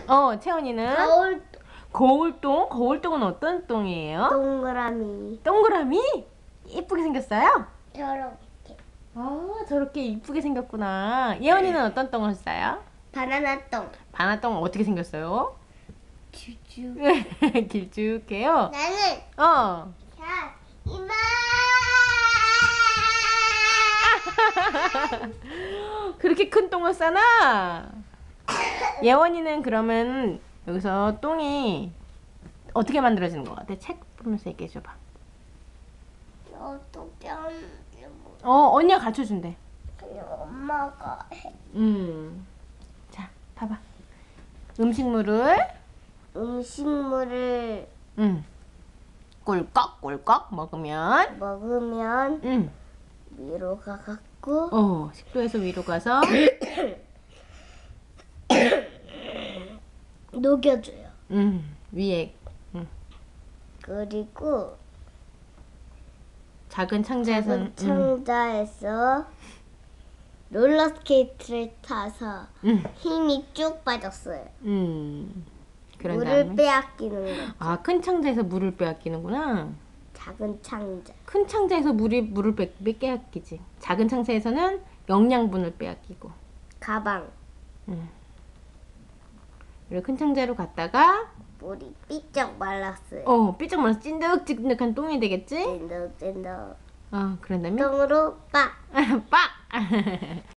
채원이는 거울 거울똥. 거울똥은 어떤 똥이에요? 동그라미. 동그라미? 이쁘게 생겼어요? 저렇게. 저렇게 이쁘게 생겼구나. 예원이는 어떤 똥을 써요? 바나나 똥. 바나똥 어떻게 생겼어요? 쭈쭈. 길쭉해요? 나는 어. 자 이마. 그렇게 큰 똥을 싸나? 예원이는 그러면 여기서 똥이 어떻게 만들어지는 것 같아? 책 보면서 얘기해 줘봐. 어떻게 하는지 모르. 언니가 가르쳐 준대. 그냥 엄마가 해. 자, 봐봐. 음식물을 꿀꺽꿀꺽 먹으면 위로 가갖고 식도에서 위로 가서 녹여줘요. 위에 그리고 작은 창자에서는 창자에서 롤러스케이트를 타서 힘이 쭉 빠졌어요. 그런 물을 다음에 빼앗기는 거. 큰 창자에서 물을 빼앗기는구나. 작은 창자. 큰 창자에서 물을 빼앗기지. 작은 창자에서는 영양분을 빼앗기고. 가방. 그리고 큰 창자로 갔다가 물이 삐쩍 말랐어요. 삐쩍 말라서 찐득찐득한 똥이 되겠지? 찐득찐득. 그런 다음에 똥으로 빡. 빡!